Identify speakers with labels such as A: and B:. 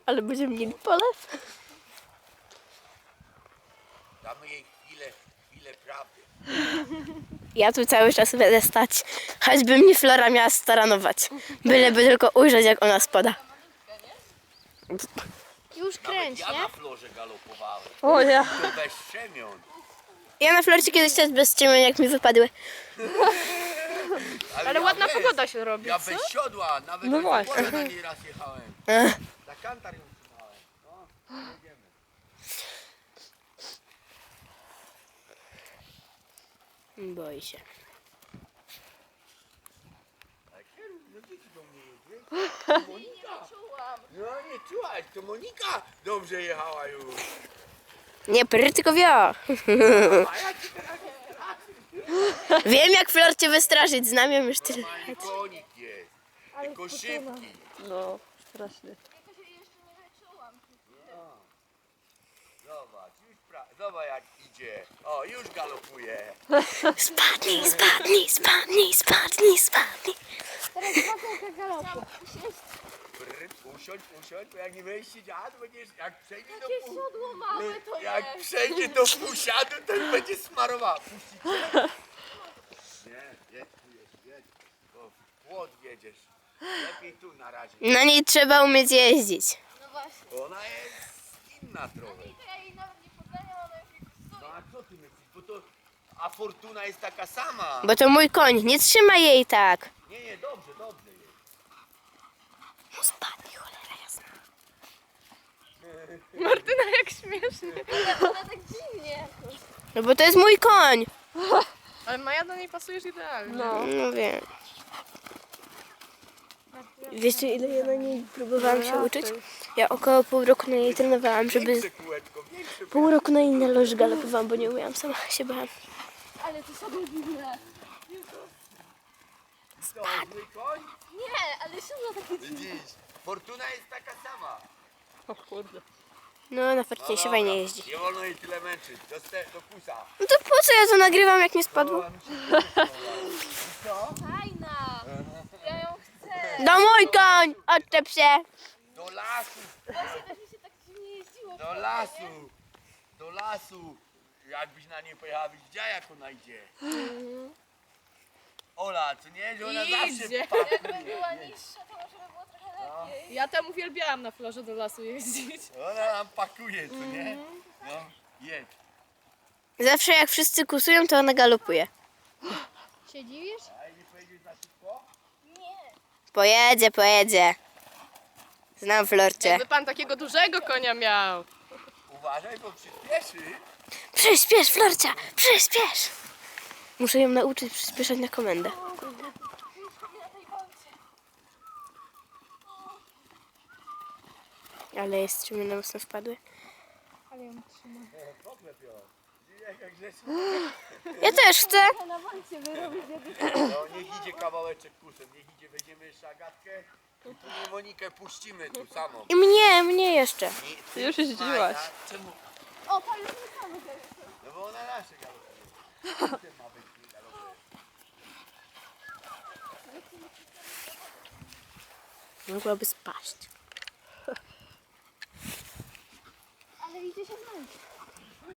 A: Ale będziemy mieli polew.
B: Damy jej chwilę prawdy.
A: Ja tu cały czas będę stać. Choćby mnie Flora miała staranować. Byleby tylko ujrzeć, jak ona spada.
C: Już kręć,
B: Ja
C: nie?
B: na florze galopowałem.
A: O ja.
B: To bez szczemion.
A: Ja na Florcie kiedyś też bez ściemy, jak mi wypadły.
C: Ale ładna pogoda się robi,
B: Ja
C: co?
B: bez siodła, nawet
C: No
B: bez
C: właśnie.
B: siodła na niej raz jechałem.
A: Ech.
B: Na kantar ją trzymałem. No, jedziemy.
A: Boi się.
B: Ale kieruj, no dzieci do mnie jedzie. Monika. No nie czułaś, to Monika dobrze jechała już.
A: Nie pry, tylko wio.
B: A ja ci teraz
A: Wiem, jak Florcie wystraszyć. Znam ją już tyle.
B: normalnie konik jest. Tylko szybki.
C: No, strasznie.
B: Zobacz, zobacz jak idzie. O, już galopuje.
A: Spadnij, spadnij, spadnij, spadnij, spadnij.
C: Teraz dwa kółka galopu.
B: Usiądź, bo jak nie będziesz siedziała, to będziesz, jak przejdzie do pół...
C: Siodło małe to
B: Jak przejdzie do półsiadu, to już będzie smarowała. Puścicie? Nie, jedź. Bo w płot jedziesz. Lepiej tu na razie.
A: Na niej trzeba umieć jeździć.
C: No właśnie.
B: Bo ona jest inna trochę.
C: To ja jej nawet nie poznaniam, ona już mi
B: No a co ty myślisz? Bo to... A Fortuna jest taka sama.
A: Bo to mój koń. Nie trzymaj jej tak.
B: Nie, dobrze jest.
A: Spadnij, cholera jasna.
C: Martyna, jak śmiesznie. Ona tak dziwnie jakoś.
A: No bo to jest mój koń.
C: Ale Maja do niej pasujesz idealnie. No.
A: No wiem. Wiecie, ile ja na niej próbowałam się uczyć? Ja około pół roku na niej trenowałam, żeby...
B: Większe kółeczko, większe.
A: Pół roku na inne loży galopowałam, bo nie umiałam, sama się bałam.
C: Ale to sobie dziwne.
B: Co, zły koń?
C: Nie, ale siodło takie dziwne.
B: Widzisz, Fortuna jest taka sama.
C: O kurde.
A: No, na farcie się fajnie jeździ.
B: Nie wolno jej tyle męczyć. Do pusa.
A: No to po co ja to nagrywam, jak nie spadło?
C: Fajna. Ja ją chcę.
A: No mój koń! Odczep się!
B: Do lasu,
C: Właśnie też mi się tak dziwnie jeździło.
B: do lasu. Jakbyś na nie pojechała, byś widziała jak ona idzie. Ola, co nie? Że ona
C: Idzie.
B: zawsze
C: Jakby była niższa, to może by było trochę lepiej. Ja tam uwielbiałam na florze do lasu jeździć.
B: Ona nam pakuje, co nie? No, jedź.
A: Zawsze jak wszyscy kusują, to ona galopuje.
C: Się dziwisz?
B: A nie pojedziesz za szybko?
A: Pojedzie, pojedzie. Znam Florcie.
C: Jakby pan takiego dużego konia miał.
B: Uważaj, bo przyspieszy.
A: Przyspiesz, Florcia! Przyspiesz! Muszę ją nauczyć przyspieszać na komendę. Ale jest strumienne mocno wpadły.
C: Ale ją trzymam.
B: Poklep ją. Widzisz, jak grzecznie?
A: Ja też chcę.
C: Na walcie wyrobić
B: No, niech idzie kawałeczek kusem, niech idzie, weźmiemy jeszcze Agatkę i później Monikę puścimy tu samą.
A: I mnie jeszcze.
B: Ty
C: już jeździłaś.
B: Czemu?
C: O, pan już nie sam
B: No bo ona nasze galopuje. Ty ma być nie galopuje.
A: Mogłaby spaść.
C: Ale idzie się znaleźć.